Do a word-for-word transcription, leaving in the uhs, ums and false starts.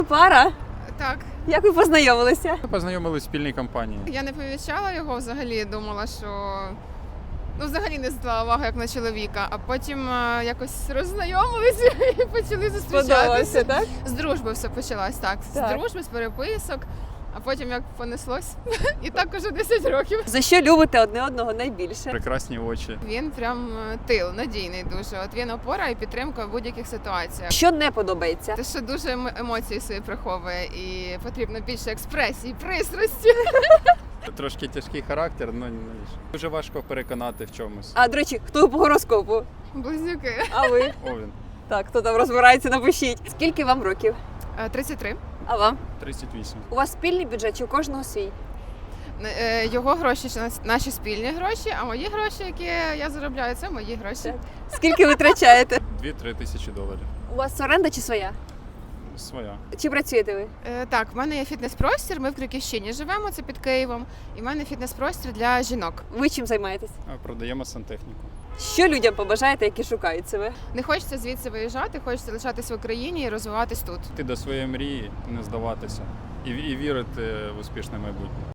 Пара? Так, Як ви познайомилися? Ми познайомились в спільній компанії. я не помічала його взагалі, думала, що ну взагалі не звертала увагу як на чоловіка, а потім е, якось роззнайомилися і почали зустрічатися. Сподобалося, так? З дружби все почалось, так. Так. З дружби, з переписок, а потім як понеслось. І так уже десять років. За що любите одне одного найбільше? Прекрасні очі. Він прям е, тил, надійний дуже. От він опора і підтримка в будь-яких ситуаціях. Що не подобається? Те, що дуже ем- емоції свої приховує і потрібно більше експресії, пристрасті. Трошки тяжкий характер, але дуже важко переконати в чомусь. А, до речі, хто по гороскопу? Близнюки. А ви? Овен. Так, хто там розбирається, напишіть. Скільки вам років? Е, тридцять три. А вам? тридцять вісім. У вас спільний бюджет чи у кожного свій? Е, Його гроші це нас- наші спільні гроші, а мої гроші, які я заробляю, це мої гроші. Так. Скільки ви витрачаєте? дві-три тисячі доларів. У вас оренда чи своя? Своя. Чи працюєте ви? Е, Так, в мене є фітнес-простір, ми в Криківщині живемо, це під Києвом. І в мене фітнес-простір для жінок. Ви чим займаєтесь? А продаємо сантехніку. Що людям побажаєте, які шукають себе? Не хочеться звідси виїжджати, хочеться лишатися в Україні і розвиватись тут. Йти до своєї мрії, не здаватися. І, і вірити в успішне майбутнє.